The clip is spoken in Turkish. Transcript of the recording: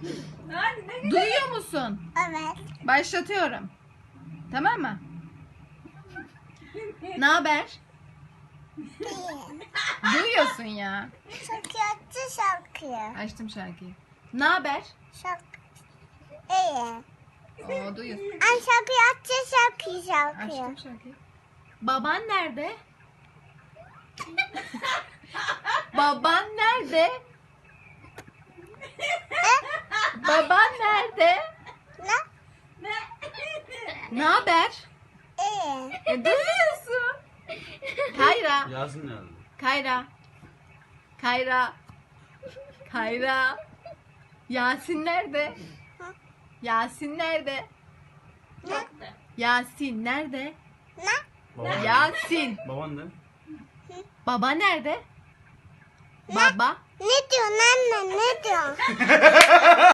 Duyuyor musun? Evet. Başlatıyorum. Tamam mı? Ne haber? İyi. Duyuyorsun ya. Şarkı açtı şarkıyı. Açtım şarkıyı. Ne haber? Şarkı. İyi. Oo, duyuyorsun. Ay şarkıyı açtı şarkıyı. Açtım şarkıyı. Baban nerede? Baban nerede? Baban nerede? Ne? Ne haber? İyi. Duyuyorsun. Kayra. Yasin nerede? Kayra. Kayra. Kayra. Yasin nerede? Yasin nerede? Ne? Yasin nerede? Ne? Baban nerede? Yasin. Baban ne? Baba nerede? Baba. Ne diyorsun anne? Ne diyorsun?